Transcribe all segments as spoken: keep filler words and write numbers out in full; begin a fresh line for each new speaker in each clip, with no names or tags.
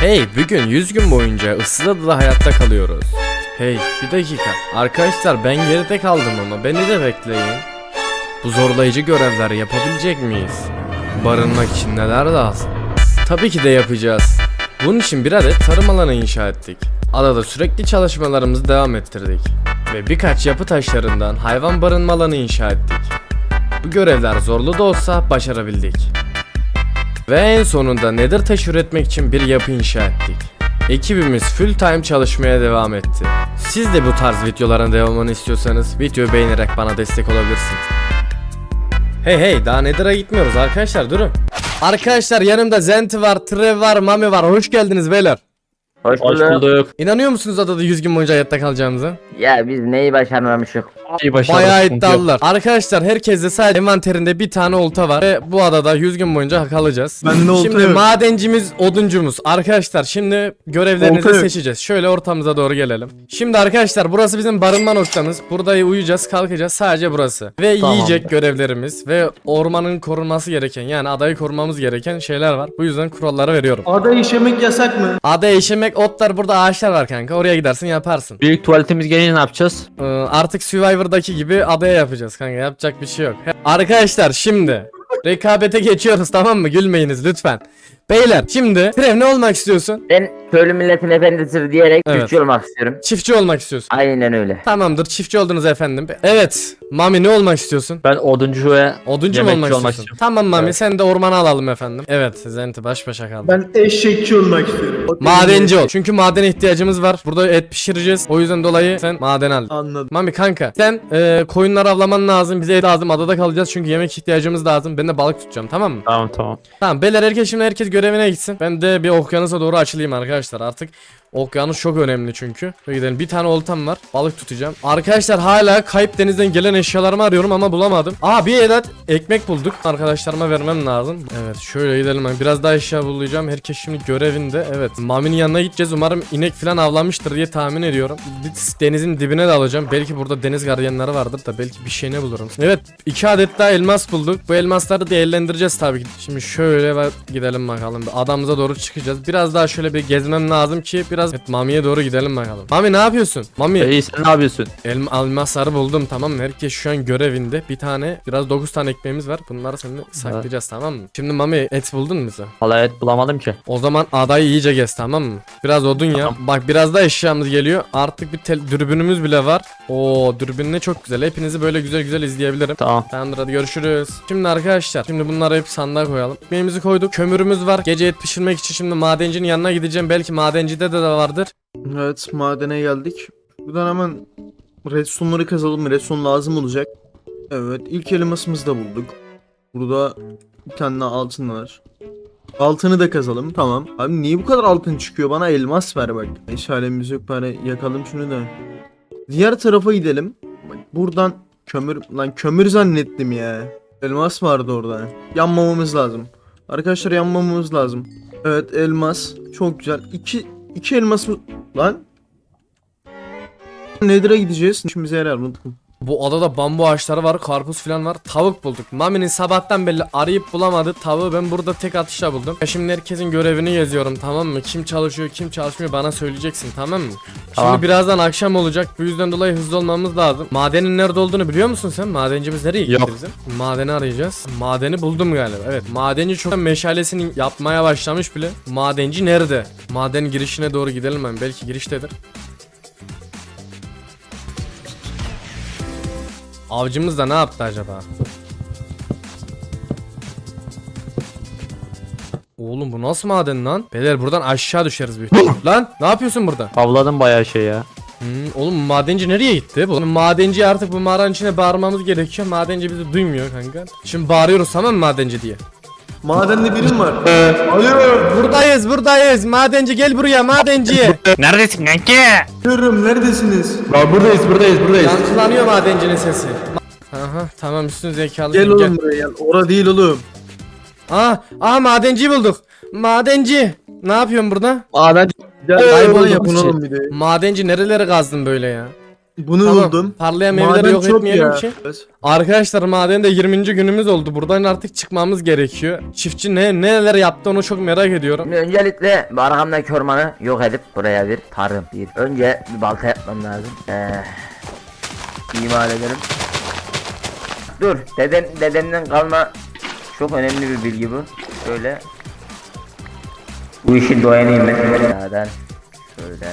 Hey, bugün yüz gün boyunca ıssız adada hayatta kalıyoruz. Hey, bir dakika. Arkadaşlar ben geride kaldım ama beni de bekleyin. Bu zorlayıcı görevleri yapabilecek miyiz? Barınmak için neler lazım? Tabii ki de yapacağız. Bunun için bir adet tarım alanı inşa ettik. Adada sürekli çalışmalarımızı devam ettirdik. Ve birkaç yapı taşlarından hayvan barınma alanı inşa ettik. Bu görevler zorlu da olsa başarabildik. Ve en sonunda nether taş üretmek için bir yapı inşa ettik. Ekibimiz full time çalışmaya devam etti. Siz de bu tarz videoların devamını istiyorsanız videoyu beğenerek bana destek olabilirsiniz. Hey hey, daha nether'a gitmiyoruz arkadaşlar, durun. Arkadaşlar yanımda Zenti var, Trev var, Mami var. Hoş geldiniz beyler.
Hoş
Hoş
bulduk.
bulduk.
İnanıyor musunuz adada yüz gün boyunca hayatta kalacağımıza?
Ya biz neyi başarmamışız?
İyi başarılı.
Bayağı
sıkıntı yok.
iddialılar. Arkadaşlar herkeste sadece envanterinde bir tane olta var ve bu adada yüz gün boyunca kalacağız.
Bende olta
Şimdi
yok.
madencimiz, oduncumuz. Arkadaşlar şimdi görevlerinizi
Olta yok.
seçeceğiz. Şöyle ortamıza doğru gelelim. Şimdi arkadaşlar burası bizim barınma noktamız. Burada uyuyacağız, kalkacağız, sadece burası. Ve
Tamam.
yiyecek görevlerimiz ve ormanın korunması gereken, yani adayı korumamız gereken şeyler var. Bu yüzden kuralları veriyorum.
Ada işemek yasak mı?
Ada eşemek, otlar, burada ağaçlar var kanka. Oraya gidersin yaparsın.
Büyük tuvaletimiz gelince ne yapacağız?
Ee, artık Survivor'daki gibi adaya yapacağız kanka, yapacak bir şey yok. Arkadaşlar şimdi rekabete geçiyoruz, tamam mı? Gülmeyiniz lütfen. Beyler şimdi Trev, ne olmak istiyorsun?
Ben köylü milletin efendisidir diyerek
Evet.
çiftçi olmak istiyorum.
Çiftçi olmak istiyorsun.
Aynen öyle.
Tamamdır, çiftçi oldunuz efendim. Evet Mami, ne olmak istiyorsun?
Ben oduncu ve
Oduncu mu
yemekçi
olmak,
olmak
istiyorsun?
istiyorum.
Tamam Mami,
Evet.
sen de ormana alalım efendim. Evet Zenti baş başa kaldı.
Ben eşekçi olmak istiyorum.
Madenci ol. Çünkü madene ihtiyacımız var. Burada et pişireceğiz. O yüzden dolayı sen maden al.
Anladım.
Mami kanka sen e, koyunları avlaman lazım. Bize et lazım. Adada kalacağız çünkü yemek ihtiyacımız lazım. Ben de balık tutacağım, tamam mı?
Tamam tamam.
Tamam beyler, herkes şimdi herkes görevine gitsin. Ben de bir okyanusa doğru açılayım arkadaşlar. Artık okyanus çok önemli çünkü. Şöyle gidelim. Bir tane oltam var. Balık tutacağım. Arkadaşlar hala kayıp denizden gelen eşyalarımı arıyorum ama bulamadım. Aa, bir adet ekmek bulduk. Arkadaşlarıma vermem lazım. Evet şöyle gidelim. Ben biraz daha eşya bulacağım. Herkes şimdi görevinde. Evet. Mami'nin yanına gideceğiz. Umarım inek falan avlanmıştır diye tahmin ediyorum. Denizin dibine de alacağım. Belki burada deniz gardiyanları vardır da belki bir şey ne bulurum. Evet. iki adet daha elmas bulduk. Bu elmasları değerlendireceğiz tabii ki. Şimdi şöyle gidelim bakalım. Adamıza doğru çıkacağız. Biraz daha şöyle bir gezmem lazım ki biraz evet, Mami'ye doğru gidelim bakalım. Mami ne yapıyorsun? Mami
İyi, sen ne yapıyorsun?
elma, elmasları buldum, tamam mı? Herkes şu an görevinde. Bir tane, biraz dokuz tane ekmeğimiz var. Bunları seninle saklayacağız, tamam mı? Şimdi Mami et buldun mu bize?
Vallahi et bulamadım ki.
O zaman adayı iyice gez, tamam mı? Biraz odun ya. Bak biraz da eşyamız geliyor. Artık bir tel- dürbünümüz bile var. Oo, dürbün ne çok güzel. Hepinizi böyle güzel güzel izleyebilirim.
Tamam.
Tamamdır, hadi görüşürüz. Şimdi arkadaşlar, şimdi bunları hep sandığa koyalım. Ekmeğimizi koyduk. Kömürümüz var. Gece et pişirmek için şimdi madencinin yanına gideceğim. Belki madencide de, de vardır.
Evet, madene geldik. Buradan hemen redstone'ları kazalım. Redstone lazım olacak. Evet, ilk elmasımızı da bulduk. Burada bir tane daha altın var. Altını da kazalım, tamam. Abi niye bu kadar altın çıkıyor? Bana elmas ver bak. İşaretimiz yok, bari yakalım şunu da. Diğer tarafa gidelim. Bak buradan kömür, lan kömür zannettim ya. Elmas vardı orada. Yanmamamız lazım. Arkadaşlar yanmamamız lazım. Evet, elmas çok güzel. İki, iki elmas mı? Lan. Nether'a gideceğiz. İşimize yarar, unuttum.
Bu adada bambu ağaçları var, karpuz falan var. Tavuk bulduk. Mami'nin sabahtan belli arayıp bulamadı tavuğu ben burada tek atışla buldum. Ya şimdi herkesin görevini yazıyorum, tamam mı? Kim çalışıyor, kim çalışmıyor bana söyleyeceksin, tamam mı?
Tamam.
Şimdi birazdan akşam olacak. Bu yüzden dolayı hızlı olmamız lazım. Madenin nerede olduğunu biliyor musun sen? Madencimiz nereye gitti
Yok.
bizim? Madeni arayacağız. Madeni buldum galiba. Evet, madenci çok meşalesini yapmaya başlamış bile. Madenci nerede? Maden girişine doğru gidelim ben. Belki giriştedir. Avcımız da ne yaptı acaba? Oğlum bu nasıl maden lan? Beyler buradan aşağı düşeriz büyük. Lan ne yapıyorsun burada?
Avladım bayağı şey ya.
Hmm, oğlum madenci nereye gitti? Bu madenci artık bu mağaranın içine bağırmamız gerekiyor. Madenci bizi duymuyor kanka. Şimdi bağırıyoruz, tamam mı madenci diye?
Madende birim var. Alo.
Buradayız buradayız. Madenci gel buraya, madenci.
Neredesin kanki?
Diyorum, neredesiniz?
Ya buradayız buradayız buradayız.
Yankılanıyor madencinin sesi. Aha tamam, üstün zekalı.
Gel oğlum buraya gel. Ora değil oğlum.
Aa, aa madenciyi bulduk. Madenci. Ne yapıyorsun burada?
Maden. Gel
Kaybolduk
bana yapın
içi.
oğlum bir de.
Madenci nerelere kazdın böyle ya?
Bunu
Tamam.
buldum.
Parlayan meyveleri
Maden
yok
çok
etmeyelim
ya.
ki. Arkadaşlar madende yirminci günümüz oldu. Buradan artık çıkmamız gerekiyor. Çiftçi ne neler yaptı onu çok merak ediyorum.
Şimdi öncelikle bu arkamdaki ormanı yok edip buraya bir tarım bir. Önce bir balta yapmam lazım. Ee, imal edelim. Dur, deden dedemden kalma çok önemli bir bilgi bu. Şöyle. Bu işin doyanıyım ben. Zaten şöyle.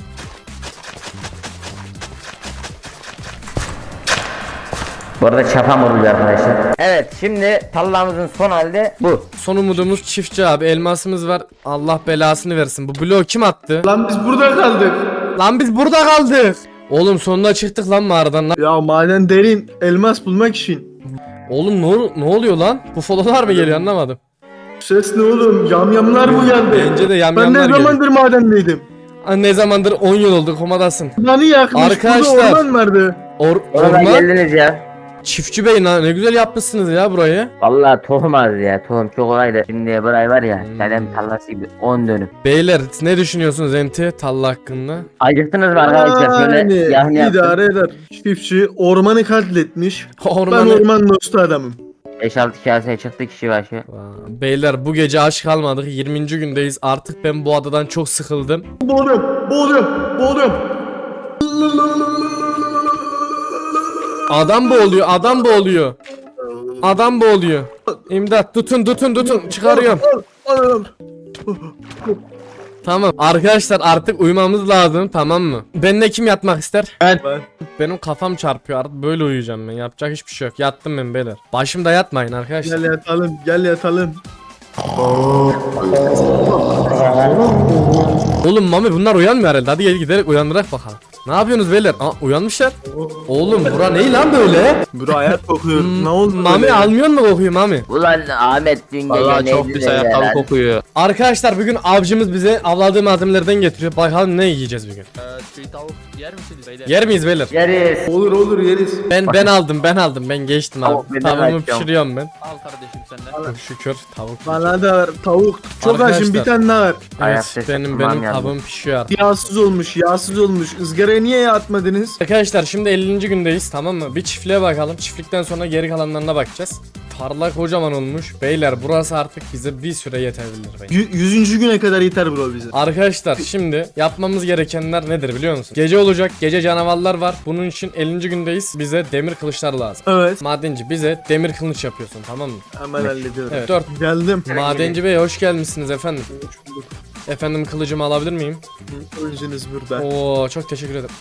Bu arada çapam oluyor arkadaşlar. Evet, şimdi tallamızın son halde bu.
Son umudumuz çiftçi abi. Elmasımız var. Allah belasını versin. Bu bloğu kim attı?
Lan biz burada kaldık.
Lan biz burada kaldık. Oğlum sonunda çıktık lan mağaradan. Lan-
Ya maden derin, elmas bulmak için.
Oğlum ne, ne oluyor lan? Bu fololar mı geliyor anlamadım.
Ses ne oğlum? Yamyamlar mı geldi?
Bence de
Ben
yamyamlar
ne
geliyor.
zamandır madendeydim?
Aa, ne zamandır on yıl oldu komadasın.
Lanı yakmış,
Arkadaşlar.
burada orman vardı.
Or
Orada
orman.
geldiniz ya.
Çiftçi bey lan ne güzel yapmışsınız ya burayı.
Vallahi tohum az ya, tohum çok kolaydı. Şimdi burayı var ya,
Hmm.
dedem tarlası gibi on dönüm.
Beyler ne düşünüyorsunuz Enti Talla hakkında?
Acıktınız mı arkadaşlar? Şöyle
Yani
yahni yaptım.
idare eder. Çiftçi ormanı katletmiş. Ben
Ormanı...
orman dostu adamım.
beş altı kaseye çıktı kişi başı.
Vay, beyler bu gece aç kalmadık. yirminci gündeyiz. Artık ben bu adadan çok sıkıldım.
Boğuluyorum, boğuluyorum, boğuluyorum.
Adam boğuluyor, adam boğuluyor. Adam boğuluyor. İmdat tutun tutun tutun çıkarıyorum.
Al, al, al.
Tamam arkadaşlar artık uyumamız lazım tamam mı? Benimle kim yatmak ister?
Ben.
Benim kafam çarpıyor artık böyle uyuyacağım ben. Yapacak hiçbir şey yok. Yattım ben beyler. Başımda yatmayın arkadaşlar.
Gel yatalım, gel yatalım.
Oğlum Mami bunlar uyanmıyor herhalde. Hadi gel giderek uyandırak bakalım. Ne yapıyorsunuz beyler? Aa uyanmışlar. Oğlum bura ne lan böyle?
Bura hayat kokuyor. Ne oldu
Mami
böyle?
almıyor mu kokuyu Mami?
Ulan Ahmet dün gece
Vallahi çok
neydi
pis
de
ayakkabı
ya?
kokuyor.
Arkadaşlar bugün avcımız bize avladığı malzemelerden getiriyor. Bakalım ne yiyeceğiz bugün.
Çiğ tavuk yer misiniz beyler?
Yer miyiz beyler?
Yeriz.
Olur olur yeriz.
Ben ben aldım ben aldım ben geçtim
Tavuk
abi.
ben de
Tavuğumu
açacağım.
pişiriyorum ben.
Al kardeşim senden.
Çok şükür tavuk.
Bana da ver tavuk. Çok
Arkadaşlar.
açım bir tane daha ver.
Evet
Ayakta
benim
sıkılmam
benim
yalnız.
tavuğum pişiyor artık.
Yağsız olmuş, yağsız olmuş. Izgaraya niye yağ atmadınız?
Arkadaşlar şimdi ellinci gündeyiz tamam mı? Bir çiftliğe bakalım. Çiftlikten sonra geri kalanlarına bakacağız. Tarla kocaman olmuş. Beyler burası artık bize bir süre yetebilir bence.
Y- yüzüncü güne kadar yeter bro bize.
Arkadaşlar şimdi yapmamız gerekenler nedir biliyor musun? Gece olacak. Gece canavarlar var. Bunun için ellinci gündeyiz. Bize demir kılıçlar lazım.
Evet.
Madenci bize demir kılıç yapıyorsun tamam mı?
Hemen hallediyorum.
Evet. dört.
Geldim.
Madenci bey hoş gelmişsiniz efendim.
Hoş bulduk.
Efendim kılıcımı alabilir miyim?
Önceniz burada.
Oo çok teşekkür ederim.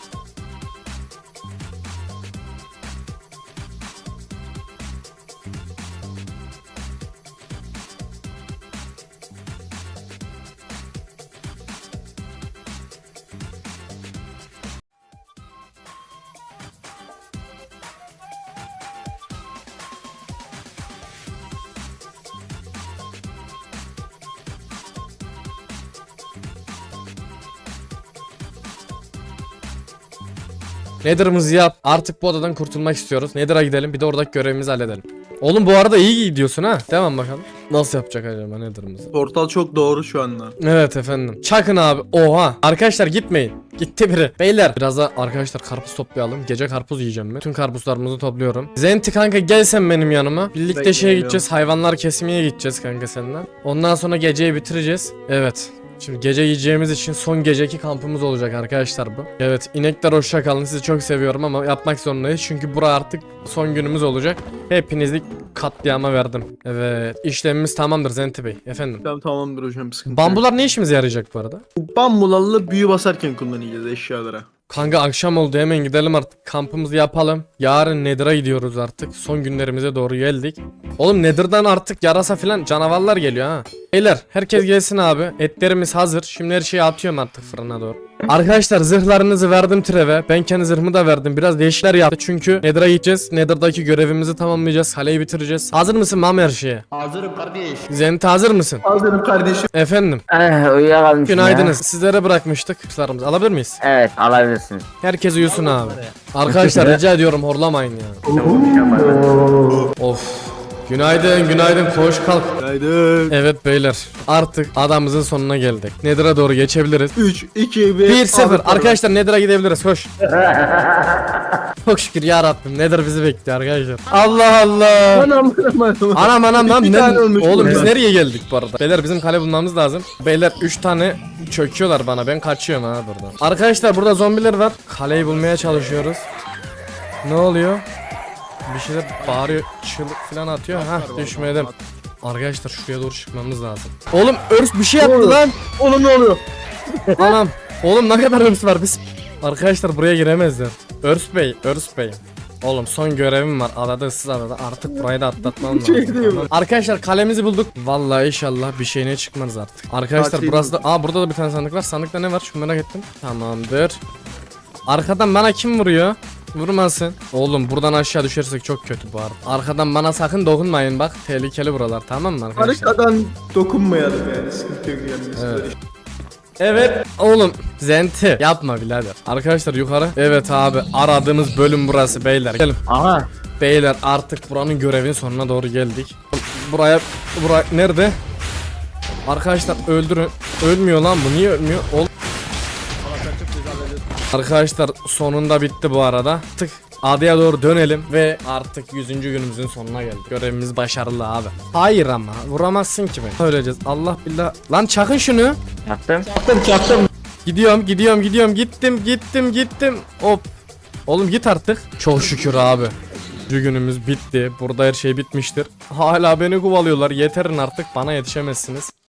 Nether'ımızı yap. Artık bu odadan kurtulmak istiyoruz. Nether'a gidelim bir de oradaki görevimizi halledelim. Oğlum bu arada iyi gidiyorsun ha. Devam bakalım. Nasıl yapacak acaba Nether'ımızı?
Portal çok doğru şu anda.
Evet efendim. Çakın abi. Oha. Arkadaşlar gitmeyin. Gitti biri. Beyler biraz da arkadaşlar karpuz toplayalım. Gece karpuz yiyeceğim ben. Tüm karpuzlarımızı topluyorum. Zenti kanka gel sen benim yanıma. Birlikte
Bekle,
şeye
geliyorum.
gideceğiz. Hayvanlar kesmeye gideceğiz kanka senden. Ondan sonra geceyi bitireceğiz. Evet. Şimdi gece yiyeceğimiz için son geceki kampımız olacak arkadaşlar bu. Evet inekler hoşça kalın sizi çok seviyorum ama yapmak zorundayız çünkü bura artık son günümüz olacak. Hepinizi katliama verdim. Evet işlemimiz tamamdır Zenti Bey efendim.
Tamam tamamdır hocam sıkıntı yok.
Bambular ne işimize yarayacak bu arada?
Bu bambularla büyü basarken kullanacağız eşyalara.
Kanka akşam oldu hemen gidelim artık kampımızı yapalım. Yarın Nether'a gidiyoruz artık. Son günlerimize doğru geldik. Oğlum Nether'dan artık yarasa filan canavarlar geliyor ha. Beyler herkes gelsin abi. Etlerimiz hazır. Şimdi her şeyi atıyorum artık fırına doğru. Arkadaşlar zırhlarınızı verdim Treve. Ben kendi zırhımı da verdim. Biraz değişikler yaptı çünkü Nether'a gideceğiz. Nether'daki görevimizi tamamlayacağız. Kaleyi bitireceğiz. Hazır mısın Mami her şeye?
Hazırım kardeş.
Zenti hazır mısın?
Hazırım kardeşim.
Efendim.
Eh, uyuyakalmışım
Günaydınız. Sizlere bırakmıştık. Kuşlarımızı alabilir miyiz?
ya. Evet, alabilirsiniz.
Herkes uyusun abi. Arkadaşlar rica ediyorum horlamayın ya. Of. Günaydın günaydın koş kalk.
Haydi.
Evet beyler artık adamımızın sonuna geldik. Nether'a doğru geçebiliriz.
üç, iki, bir.
bir sıfır arkadaşlar Nether'a gidebiliriz koş. Çok şükür ya Rabbim Nether bizi bekliyor arkadaşlar. Allah Allah.
Anam anam anam.
Anam anam lan
İki
ne-
tane ölmüş
oğlum biz
burada.
nereye geldik bu arada? Beyler bizim kale bulmamız lazım. Beyler üç tane çöküyorlar bana ben kaçıyorum ha buradan. Arkadaşlar burada zombiler var. Kaleyi bulmaya çalışıyoruz. Ne oluyor? Bir şeyler bağırıyor, çığlık falan atıyor. Ha düşmedim. Arkadaşlar şuraya doğru çıkmamız lazım. Oğlum örs bir şey yaptı
Oğlum.
lan.
Oğlum ne oluyor?
Anam. Oğlum ne kadar örs var biz. Arkadaşlar buraya giremezler. Örs Bey, Örs Bey. Oğlum son görevim var adada ıssız adada artık burayı da atlatmam lazım.
Şey değil mi?
Tamam. Arkadaşlar kalemizi bulduk. Vallahi inşallah bir şeyine çıkmaz artık. Arkadaşlar
Tatil
burası da aa burada da bir tane sandık var. Sandıkta ne var? Çok merak ettim. Tamamdır. Arkadan bana kim vuruyor? Vurmasın. Oğlum buradan aşağı düşersek çok kötü bu arada. Arkadan bana sakın dokunmayın bak. Tehlikeli buralar tamam mı arkadaşlar?
Arkadan dokunmayalım yani sıkıntı yok yani.
Evet. Evet oğlum Zenti yapma birader. Arkadaşlar yukarı. Evet abi aradığımız bölüm burası beyler. Gelin.
Aha.
Beyler artık buranın görevin sonuna doğru geldik. Buraya buraya nerede? Arkadaşlar öldürün. Ölmüyor lan bu niye ölmüyor? Ol Arkadaşlar sonunda bitti bu arada. Tık adaya doğru dönelim ve artık yüzüncü günümüzün sonuna geldik. Görevimiz başarılı abi. Hayır ama vuramazsın ki beni. Öleceğiz. Allah billah. Lan çakın şunu.
Yaptım.
Gidiyorum gidiyorum gidiyorum gittim gittim gittim hop. Oğlum git artık. Çok şükür abi. Yüzüncü günümüz bitti. Burada her şey bitmiştir. Hala beni kovalıyorlar. Yeterin artık bana yetişemezsiniz.